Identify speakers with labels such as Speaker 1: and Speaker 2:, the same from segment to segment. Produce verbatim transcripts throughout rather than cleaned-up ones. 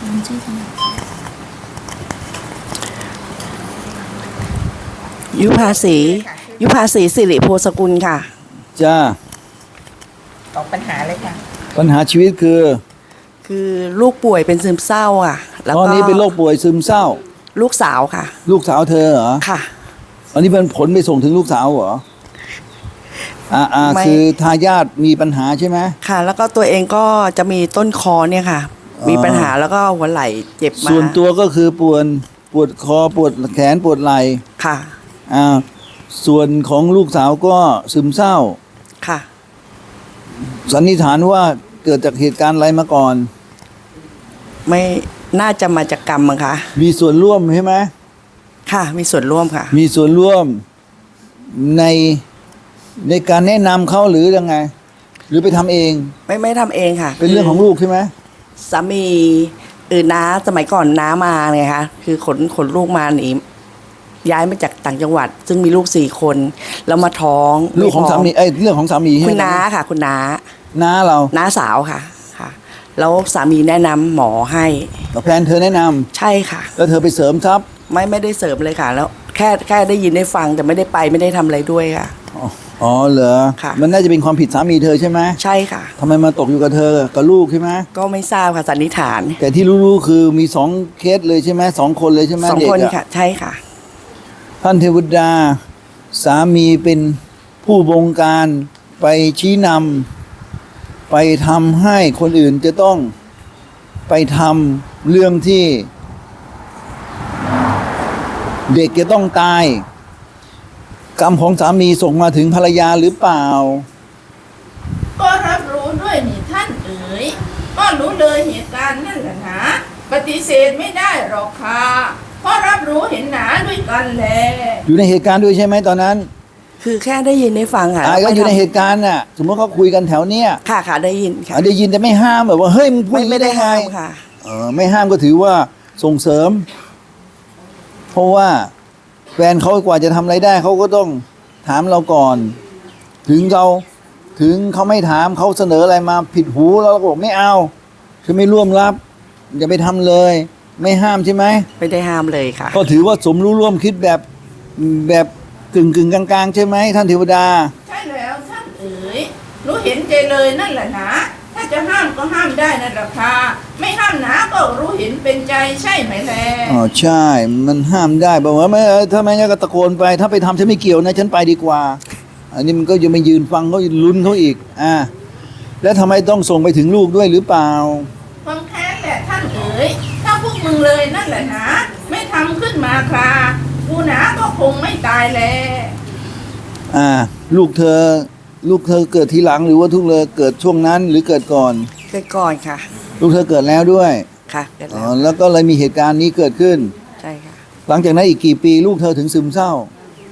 Speaker 1: ยุภาษียุภาษีสิริโพสกุลค่ะ
Speaker 2: จ้า
Speaker 3: ตอบปัญหาเลยค่ะ
Speaker 2: ปัญหาชีวิตคือ
Speaker 1: คือลูกป่วยเป็นซึมเศร้าอ่ะแล้วก็
Speaker 2: ตอนนี้เป็นโรคป่วยซึมเศร้า
Speaker 1: ลูกสาวค่ะ
Speaker 2: ลูกสาวเธอเหรอ
Speaker 1: ค่ะ
Speaker 2: อันนี้เป็นผลไปส่งถึงลูกสาวเหรออ่าอ่าคือทายาทมีปัญหาใช่ไหม
Speaker 1: ค่ะแล้วก็ตัวเองก็จะมีต้นคอเนี่ยค่ะมีปัญหาแล้วก็หัวไหล่เจ็บมา
Speaker 2: ส่วนตัวก็คือปวดปวดคอปวดแขนปวดไหล่
Speaker 1: ค่ะ
Speaker 2: อ่าส่วนของลูกสาวก็ซึมเศร้า
Speaker 1: ค่ะ
Speaker 2: สันนิษฐานว่าเกิดจากเหตุการณ์อะไรมาก่อน
Speaker 1: ไม่น่าจะมาจากกรรมมั้งคะ
Speaker 2: มีส่วนร่วมใช่ไหม
Speaker 1: ค่ะมีส่วนร่วมค่ะ
Speaker 2: มีส่วนร่วมในในการแนะนำเขาหรือยังไงหรือไปทำเอง
Speaker 1: ไม่ไม่ทำเองค่ะ
Speaker 2: เป็นเรื่องของลูกใช่ไหม
Speaker 1: สามีเออน้าสมัยก่อนน้ามาไงคะคือขนขนลูกมาหนีย้ายมาจากต่างจังหวัดซึ่งมีลูกสี่คนแล้วมาท้อง
Speaker 2: ลูกของสามีเอ้ยเรื่องของสามี
Speaker 1: คุณน้าค่ะคุณน้า
Speaker 2: น้าเรา
Speaker 1: น้าสาวค่ะค่ะแล้วสามีแนะนำหมอให้
Speaker 2: แฟนเธอแนะนำ
Speaker 1: ใช่ค่ะ
Speaker 2: แล้วเธอไปเสริมทับ
Speaker 1: ไม่ไม่ได้เสริมเลยค่ะแล้วแค่แค่ได้ยินได้ฟังแต่ไม่ได้ไปไม่ได้ทำอะไรด้วยค่ะ
Speaker 2: อ๋อเหรอมันน่าจะเป็นความผิดสามีเธอใช่ไหม
Speaker 1: ใช่ค่ะ
Speaker 2: ทำไมมาตกอยู่กับเธอกับลูกใช่ไหม
Speaker 1: ก็ไม่ทราบค่ะสันนิษฐาน
Speaker 2: แต่ที่รู้ๆคือมีสองเคสเลยใช่ไหมสองคนเลยใช่ไหม
Speaker 1: สองคนค่ะใช่ค่ะ
Speaker 2: ท่านเทวดาสามีเป็นผู้บงการไปชี้นำไปทำให้คนอื่นจะต้องไปทำเรื่องที่เด็กจะต้องตายกรรมของสามีส่งมาถึงภรรยาหรือเปล่า
Speaker 3: ก็รับรู้ด้วยนี่ท่านเอ๋ยก็รู้เลยเหตุการณ์นั่นแหละนะปฏิเสธไม่ได้หรอกค่ะเพราะรับรู้เห็นหนาด้วยกันแหละ
Speaker 2: อยู่ในเหตุการณ์ด้วยใช่ไหมตอนนั้น
Speaker 1: คือแค่ได้ยินได้ฟังค่ะ
Speaker 2: ก็อยู่ในเหตุการณ์น่ะสมมติเขาคุยกันแถวเนี้ย
Speaker 1: ค่ะค่ะได้ยินค่ะ
Speaker 2: ได้ยินแต่ไม่ห้ามแบบว่าเฮ้ยมึงพูด
Speaker 1: ไม่ได้ห้ามค่ะ
Speaker 2: เออไม่ห้ามก็ถือว่าส่งเสริมเพราะว่าแฟนเขากว่าจะทำอะไรได้เขาก็ต้องถามเราก่อนถึงเราถึงเขาไม่ถามเขาเสนออะไรมาผิดหูเราก็บอกไม่เอาคือไม่ร่วมรับอย่าไปทำเลยไม่ห้ามใช่ไหม
Speaker 1: ไม่ได้ห้ามเลยค่ะ
Speaker 2: ก็ถือว่าสมรู้ร่วมคิดแบบแบบกึ่งกึ่งกลางๆใช่ไหมท่านเทวดา
Speaker 3: ใช่แล้วท่านเอ๋ยรู้เห็นใจเลยนั่นแหละนะถ้าจะห้ามก็ห้ามได้นั่นแหละค่ะไม่ห้ามนะก็รู้เห็นเป็นใจใช่ไหมแล
Speaker 2: อ๋อใช่มันห้ามได้บอกว่าไม่ถ้าไม่งั้นก็ตะโกนไปถ้าไปทำฉันไม่เกี่ยวนะฉันไปดีกว่าอันนี้มันก็ยังไม่ยืนฟังเขาลุ้นเขาอีกอ่าแล้วทำไมต้องส่งไปถึงลูกด้วยหรือเปล่า
Speaker 3: ความแค้นแหละท่านเอ๋ยถ้าพวกมึงเลยนั่นแหละนะไม่ทำขึ้นมาครากูหนาก็คงไม่ตายแล
Speaker 2: อ่าลูกเธอลูกเธอเกิดทีหลังหรือว่าทุกเลยเกิดช่วงนั้นหรือเกิดก่อน
Speaker 1: เกิดก่อนค่ะ
Speaker 2: ลูกเธอเกิดแล้วด้วย
Speaker 1: ค่ะเกิดแล้ว
Speaker 2: อ๋อแล้วก็เลยมีเหตุการณ์นี้เกิดขึ้น
Speaker 1: ใช่ค่ะ
Speaker 2: หลังจากนั้นอีกกี่ปีลูกเธอถึงซึมเศร้า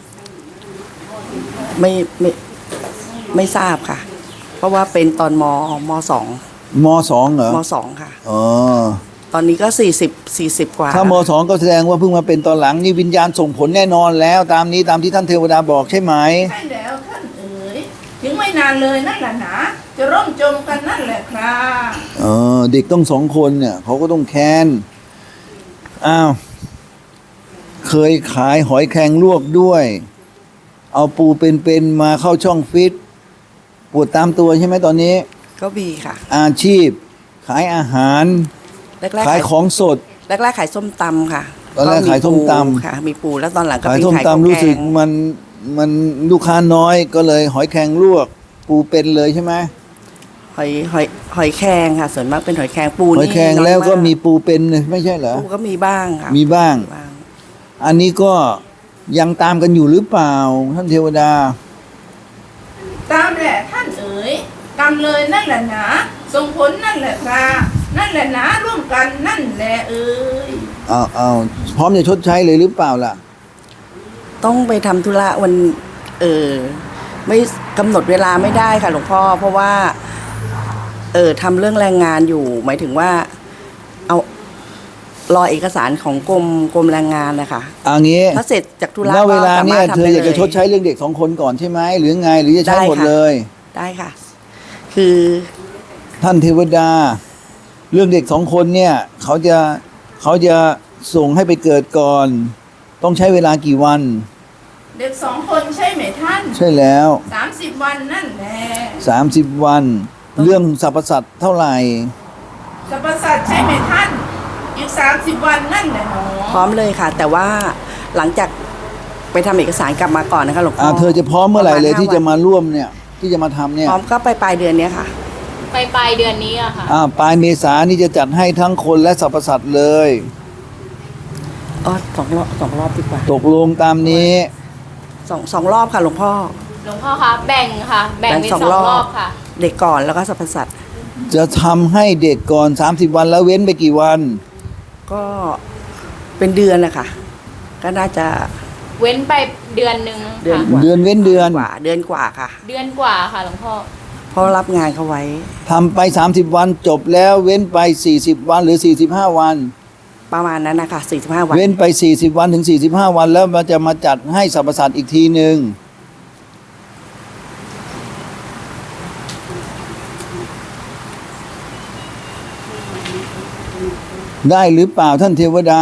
Speaker 1: ไม่ไม่ไม่ทราบค่ะเพราะว่าเป็นตอนมมสอง
Speaker 2: มสองเหรอ
Speaker 1: มสองค่ะ
Speaker 2: อ๋อ
Speaker 1: ตอนนี้ก็สี่สิบสี่สิบกว่า
Speaker 2: ถ้ามสองก็แสดงว่าเพิ่งมาเป็นตอนหลังนี่วิญญาณส่งผลแน่นอนแล้วตามนี้ตามที่ท่านเทวดาบอกใช่ไหม
Speaker 3: ใช่แล้วท่านเอ๋ยถึงไม่นานเลยนั่นแหละนะจะร่มจมกันนั่นแหละครับ
Speaker 2: เออเด็กต้องสองคนเนี่ยเขาก็ต้องแค้นอ้าวเคยขายหอยแครงลวกด้วยเอาปูเป็นๆมาเข้าช่องฟิตปวดตามตัวใช่ไหมตอนนี้
Speaker 1: ก็มีค่ะ
Speaker 2: อาชีพขายอาหารขายของสด
Speaker 1: แรกๆขายส้มตำค่ะ
Speaker 2: ตอนแรกขายส้มตำ
Speaker 1: ค่ะมีปูแล้วตอนหลังก็
Speaker 2: ขายส้มตำรู้สึกมันมันลูกค้าน้อยก็เลยหอยแครงลวกปูเป็นเลยใช่ไหม
Speaker 1: หอยหอยหอยแครงค่ะส่วนมากเป็นหอยแครงปู
Speaker 2: หอยแครงแล้วก็มีปูเป็นไม่ใช่เหรอ
Speaker 1: ปูก็มีบ้างค่ะ
Speaker 2: มีบ้างอันนี้ก็ยังตามกันอยู่หรือเปล่าท่านเทวดา
Speaker 3: ตามแหละท่านเอ๋ยกรรมเลยนั่นแหละนะส่งผลนั่นแหละครับนั่นแหละนะร่วมกันนั่นแหละเอ๋ย
Speaker 2: อ้าวอ้าวพร้อมจะชดใช้เลยหรือเปล่าล่ะ
Speaker 1: ต้องไปทำธุระวันเออไม่กำหนดเวลาไม่ได้ค่ะหลวงพ่อเพราะว่าเออทำเรื่องแรงงานอยู่หมายถึงว่าเอารอเอกสารของกรมกรมแรงงานนะคะ
Speaker 2: อันนี้
Speaker 1: ถ้าเสร็จจากธุระ
Speaker 2: แล้วเวลาเนี่ยเธออยากจะชดใช้เรื่องเด็กสองคนก่อนใช่ไหมหรือไงหรือจะใช้หมดเลย
Speaker 1: ได้ค่ะคือ
Speaker 2: ท่านเทวดาเรื่องเด็กสองคนเนี่ยเขาจะเขาจะส่งให้ไปเกิดก่อน ต้องใช้เวลากี่วัน
Speaker 3: เด็กสองคนใช่ไหมท่าน
Speaker 2: ใช่แล้ว
Speaker 3: สามสิบวันนั่นแหละ
Speaker 2: สามสิบวัน เรื่องสรรพสัตว์เท่าไหร่
Speaker 3: สรรพสัตว์ใช่ไหมท่าน อีกสามสิบวันนั่นแหละหนอ
Speaker 1: พร้อมเลยค่ะ แต่ว่าหลังจากไปทำเอกสารกลับมาก่อนนะคะหลวงพ่
Speaker 2: อ่า
Speaker 1: อ
Speaker 2: เธอจะพร้อมเมื่อไหร่เลย
Speaker 1: ปาณ
Speaker 2: ที่
Speaker 1: ห้า
Speaker 2: จะ
Speaker 1: วัน
Speaker 2: มาร่วมเนี่ยที่จะมาทำเนี่ย
Speaker 1: พร้อมก็ไปปลายเดือนเนี้ยค่ะ
Speaker 4: ไปปลายเดือนนี้อะค่ะ
Speaker 2: อ่าปลายเมษานี่จะจัดให้ทั้งคนและสรรพสัตว์เลย
Speaker 1: อ๋อสองรอบสองรอบดีกว่า
Speaker 2: ตกลงตามนี้
Speaker 1: สองสองรอบค่ะหลวงพ่อ
Speaker 4: หลวงพ่อคะแบ่งค่ะ แบ่งเป็นสองรอบค่ะ
Speaker 1: เด็กก่อนแล้วก็สรรพสัตว์
Speaker 2: จะทำให้เด็กก่อนสามสิบวันแล้วเว้นไปกี่วัน
Speaker 1: ก็เป็นเดือนนะคะก็น่าจะ
Speaker 4: เว้นไปเดือนหนึ่ง
Speaker 1: เดือน
Speaker 4: ค่ะ
Speaker 1: กว่า
Speaker 2: เดือนเว้นเดือน
Speaker 1: กว่าเดือนกว่าค่ะ
Speaker 4: เดือนกว่าค่ะหลวงพ่อ
Speaker 1: เพราะรับงานเขาไว้
Speaker 2: ทำไปสามสิบวันจบแล้วเว้นไปสี่สิบวันหรือสี่สิบห้าวัน
Speaker 1: ประมาณนั้นนะคะสี่สิบห้าวัน
Speaker 2: เว้นไปสี่สิบวันถึงสี่สิบห้าวันแล้วมันจะมาจัดให้สรรพสัตว์อีกทีหนึ่งได้หรือเปล่าท่านเทวดา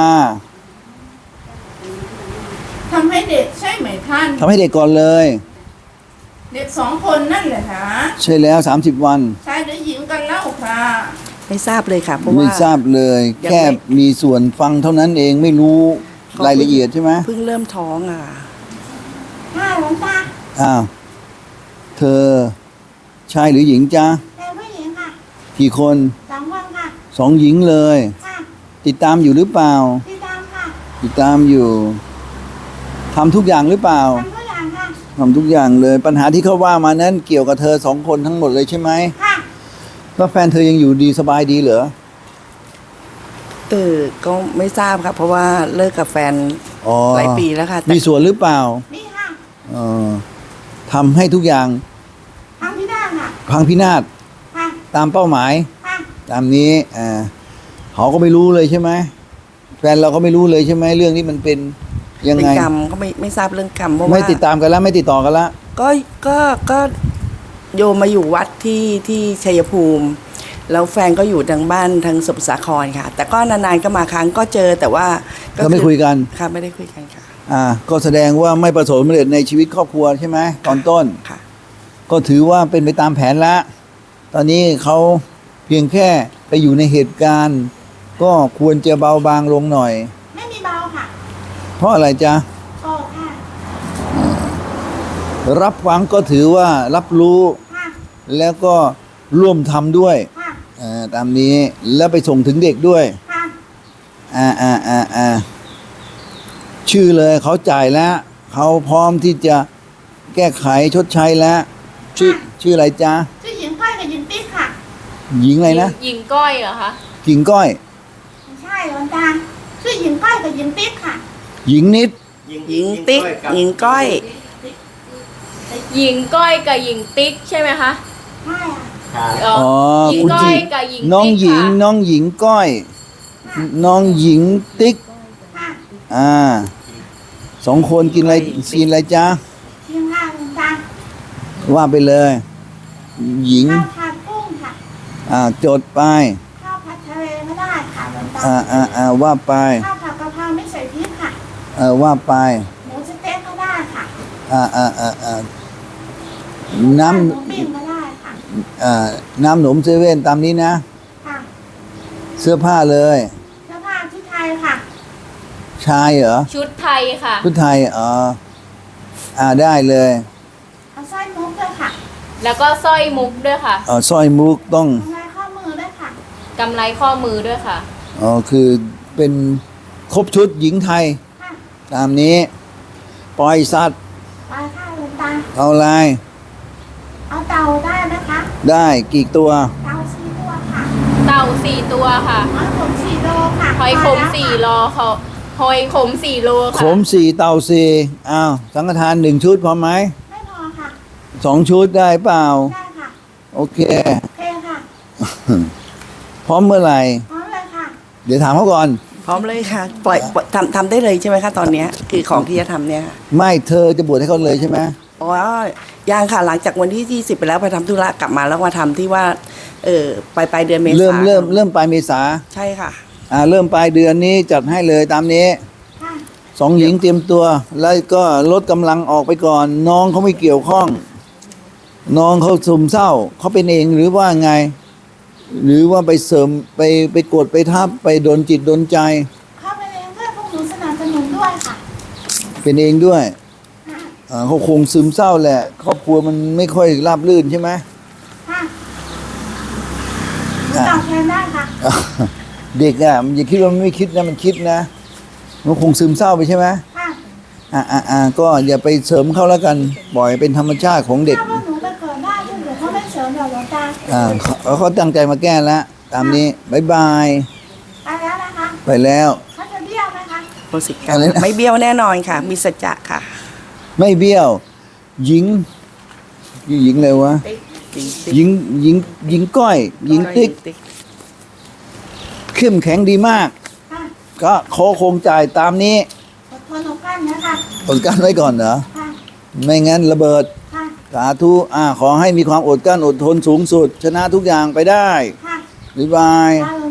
Speaker 3: ทำให้เด็กใช่ไหมท่าน
Speaker 2: ทำให้เด็กก่อนเลย
Speaker 3: เด็กสองคนนั่นแหละนะ
Speaker 2: ใช่แล้วสามสิบวัน
Speaker 3: ชายหรือหญิงกันเล่าค่ะ
Speaker 1: ไม่ทราบเลยค่ะ เพราะ
Speaker 2: ไม่
Speaker 1: ว่า
Speaker 2: ทราบเลย
Speaker 1: ยังไม่
Speaker 2: แค่มีส่วนฟังเท่านั้นเองไม่รู้
Speaker 1: เขา
Speaker 2: รายละเอียดใช่ไหม
Speaker 1: เพิ่งเริ่มท้องอ่ะ
Speaker 5: ห้าหลวงตา
Speaker 2: อ้าวเธอชายหรือหญิงจ๊ะ
Speaker 5: เป็นผู้หญิงค่ะ
Speaker 2: กี่คน
Speaker 5: สองคนค่ะ
Speaker 2: สองหญิงเลย
Speaker 5: ค่ะ
Speaker 2: ติดตามอยู่หรือเปล่า
Speaker 5: พี่ตามค่ะ
Speaker 2: ติดตามอยู่ทำทุกอย่างหรือเปล่า
Speaker 5: ทำทุกอย่างค่ะ
Speaker 2: ทำทุกอย่างเลย ปัญหาที่เขาว่ามานั้นเกี่ยวกับเธอสองคนทั้งหมดเลยใช่ไหม
Speaker 5: ค่ะ
Speaker 2: แล้วแฟนเธอยังอยู่ดีสบายดีเหรอ
Speaker 1: เออก็ไม่ทราบครับ เพราะว่าเลิกกับแฟน
Speaker 2: อ๋อ
Speaker 1: หลายปีแล้วค่ะแต่
Speaker 2: มีส่วนหรือเปล่า
Speaker 5: นี่ค่ะ
Speaker 2: เออทำให้ทุกอย่าง
Speaker 5: ทำพี่ได้ค่ะ
Speaker 2: พังพินาศ
Speaker 5: ค่ะ
Speaker 2: ตามเป้าหมาย
Speaker 5: ค่ะ
Speaker 2: ตามนี้อ่าเขาก็ไม่รู้เลยใช่ไหมแฟนเราก็ไม่รู้เลยใช่ไหมเรื่องนี้มันเป็นยัง
Speaker 1: เป็น
Speaker 2: ไง
Speaker 1: กรรมก็ไม่ไม่ทราบเรื่องกรรมเพราะ
Speaker 2: ไม่
Speaker 1: ว่า
Speaker 2: ติดตามกันแล้วไม่ติดต่อกันแล้ว
Speaker 1: ก็ก็ก็โยมมาอยู่วัดที่ที่ชัยภูมิ แล้วแฟนก็อยู่ทางบ้านทางสมุทรสาครค่ะ แต่ก็นานๆก็มาครั้งก็เจอแต่ว่า
Speaker 2: ก็ไม่คุยกัน
Speaker 1: ค่ะไม่ได้คุยกันค่ะ
Speaker 2: อ่าก็แสดงว่าไม่ประสบความสำเร็จในชีวิตครอบครัวใช่ไหมตอนต้น
Speaker 1: ค่ะ
Speaker 2: ก็ถือว่าเป็นไปตามแผนละ ตอนนี้เขาเพียงแค่ไปอยู่ในเหตุการณ์ ก็ควรจะเบาบางลงหน่อย
Speaker 5: ไม่มีเบาค่ะ
Speaker 2: เพราะอะไรจ๊ะ
Speaker 5: โอ้ค่ะ
Speaker 2: รับฟังก็ถือว่ารับรู้
Speaker 5: ค่ะ
Speaker 2: แล้วก็ร่วมทำด้วย
Speaker 5: ค่ะ
Speaker 2: อ่าตามนี้แล้วไปส่งถึงเด็กด้วย
Speaker 5: ค่ะ
Speaker 2: อ่าอ่าอ่าอ่าชื่อเลยเขาจ่ายแล้วเขาพร้อมที่จะแก้ไขชดใช้แล้ว ชื่อชื่ออะไรจ๊ะ
Speaker 5: ชื่อหญิงก้อยกับหญิงติ๊กค่ะ
Speaker 2: หญิงอะไรนะ
Speaker 4: หญิงก้อยเหรอคะ
Speaker 2: กิ่งก้อย
Speaker 5: ไม่ใช่หลวงตาชื่อหญิงก้อยกับหญิงติ๊กค่ะ
Speaker 2: หญิงนิด
Speaker 1: หญิงติ๊กหญิงก้อย
Speaker 4: หญิงก้อยกับหญิงติ๊กใช่ไหมคะ
Speaker 5: ใช่ค่ะ
Speaker 4: อ๋อ
Speaker 2: อ๋อ
Speaker 4: หญิง
Speaker 2: คุณ
Speaker 4: ก้
Speaker 2: ห
Speaker 4: อ
Speaker 2: ญิ
Speaker 4: ย
Speaker 2: ง
Speaker 4: กับหญิง
Speaker 2: น้อง
Speaker 4: ติ๊ก
Speaker 2: หญิง
Speaker 4: ค่ะ
Speaker 2: น้องหญิงก้อย น้องหญิงติ๊ก
Speaker 5: ค่ะ
Speaker 2: อ่าสองคนกินอะไรกินอะไรจ๊ะ
Speaker 5: หญิงค่ะหลวงตา
Speaker 2: ว่าไปเลย หญิง
Speaker 5: ข้าวผัดกุ้งค่ะ
Speaker 2: อ่าจดไป
Speaker 5: ข้าวผัดทะเลก็ได้ค่ะหลวงตา
Speaker 2: อ่าอ่าอ่าว่าไป
Speaker 5: ข้าวผัดกะเพราไม่ใส่พริกค่ะ
Speaker 2: เออว่าไป
Speaker 5: หมูสเต๊กก็ได้ค่ะ
Speaker 2: อ่าอ่าอ่าอ่าน้
Speaker 5: ข้าวหมูปิ้งก็ได้ค่ะ
Speaker 2: ำอ่าน้ำหนมเซเว่นตามนี้นะ
Speaker 5: ค่ะ
Speaker 2: เสื้อผ้าเลย
Speaker 5: เสื้อผ้าที่ไทยค่ะ
Speaker 2: ชายเหรอ
Speaker 4: ชุดไทยค่ะ
Speaker 2: ชุดไทยอ๋ออ่าได้เลย
Speaker 5: เอาสร้อยมุกด้วยค่ะ
Speaker 4: แล้วก็สร้อยมุกด้วยค่ะ
Speaker 2: เออสร้อยมุกต้อง
Speaker 5: ทำลายข้อมือด้วยค่ะ
Speaker 4: กำไรข้อมือด้วยค่ะ
Speaker 2: อ๋อคือเป็นครบชุดหญิงไทย
Speaker 5: ค่ะ
Speaker 2: ตามนี้ ปล่อยสัตว์
Speaker 5: ปลาข้าวหลวงตา
Speaker 2: เอาอะไร
Speaker 5: เอาเต่าได้ไหมคะ
Speaker 2: ได้กี่ตัว
Speaker 5: เต่าสี่ตัวค่ะ
Speaker 4: เต่าสี่ตัวค่ะ
Speaker 5: หอยขมสี่โลค่ะ
Speaker 4: หอยขม
Speaker 5: พแล้ว
Speaker 4: สี่
Speaker 5: ค่ะ
Speaker 4: โลเขาหอยขมสี่โล
Speaker 2: ข
Speaker 4: ค่ะ
Speaker 2: มสี่เต่าสี่อ้าวสังฆทานหนึ่งชุดพอไหม
Speaker 5: ไม่พอค่ะ
Speaker 2: สองชุดได้เปล่า
Speaker 5: ได้ค่ะ
Speaker 2: โอเค
Speaker 5: โอเคค่ะ
Speaker 2: พร้อมเมื่อไหร่
Speaker 5: พร้อมเลยค่ะ
Speaker 2: เดี๋ยวถามเขาก่อน
Speaker 1: พร้อมเลยค่ะ ปล่อยปล่อยทำทำได้เลยใช่ไหมคะตอนเนี้ยคือของที่จะทำเนี่ยค่ะ
Speaker 2: ไม่เธอจะบวชให้เขาเลยใช่ไหม
Speaker 1: อ๋อยังค่ะหลังจากวันที่ยี่สิบไปแล้วไปทำธุระกลับมาแล้วมาทำที่ว่าเออปลายปลายเดือนเมษา
Speaker 2: เริ่มเริ่มเริ่มปลายเมษา
Speaker 1: ใช่ค่ะ
Speaker 2: อ่าเริ่มปลายเดือนนี้จัดให้เลยตามนี้
Speaker 5: ค่ะ
Speaker 2: สองหญิงเตรียมตัว แล้วก็ลดกำลังออกไปก่อน น้องเขาไม่เกี่ยวข้อง น้องเขาซึมเศร้าเขาเป็นเองหรือว่าไง หรือว่าไปเสริมไปไปกดไปทับไปโดนจิตโดนใจ
Speaker 5: เข้าไปเองด้วยพวกหนูสนับสนุนด้วยค่ะ
Speaker 2: เป็นเองด้วย
Speaker 5: ค่ะ
Speaker 2: อ่าเขาคงซึมเศร้าแหละ ครอบครัวมันไม่ค่อยราบรื่นใช่ไหม
Speaker 5: ค่ะหนูตอบแทนได้ค่ะ
Speaker 2: อ่ะเด็กอ่ะมันอย่าคิดว่ามันไม่คิดนะมันคิดนะมันคงซึมเศร้าไปใช่ไหม
Speaker 5: ค่ะ
Speaker 2: อ่าอ่าอ่าก็อย่าไปเสริมเขาแล้วกันปล่อยเป็นธรรมชาติของเด็ก
Speaker 5: ถ้าพวกหนูไปเกิดได้ด้วยเดี๋ยวเขาไม่เสริมหรอกหลวงตา
Speaker 2: อ่าเขาเขาตั้งใจมาแก้แล้ว ตามนี้บายบาย
Speaker 5: ไปแล้วนะคะ
Speaker 2: ไปแล้ว
Speaker 5: เขาจะเบี้ยวไหมคะ
Speaker 1: โพสิกรร
Speaker 2: อะไร
Speaker 1: ม
Speaker 2: นะ
Speaker 1: ไม่เบี้ยวแน่นอนค่ะ มีสัจจะค่ะ
Speaker 2: ไม่เบี้ยว หญิงหญิงเลยวะหญิงหญิงหญิงก้อย หญิงติ๊กเข้มแข็งดีมาก
Speaker 5: ค่ะ
Speaker 2: ก็ขอคงจ่ายตามนี้
Speaker 5: อดทนอดกลั้นนะคะ
Speaker 2: อดกลั้นไว้ก่อนเหรอ
Speaker 5: ค่ะ
Speaker 2: ไม่งั้นระเบิด
Speaker 5: ค่ะ
Speaker 2: สาธุอ่าขอให้มีความอดกลั้นอดทนสูงสุด ชนะทุกอย่างไปได้
Speaker 5: ค่ะ
Speaker 2: บ๊ายบาย
Speaker 5: ค่ะหลวง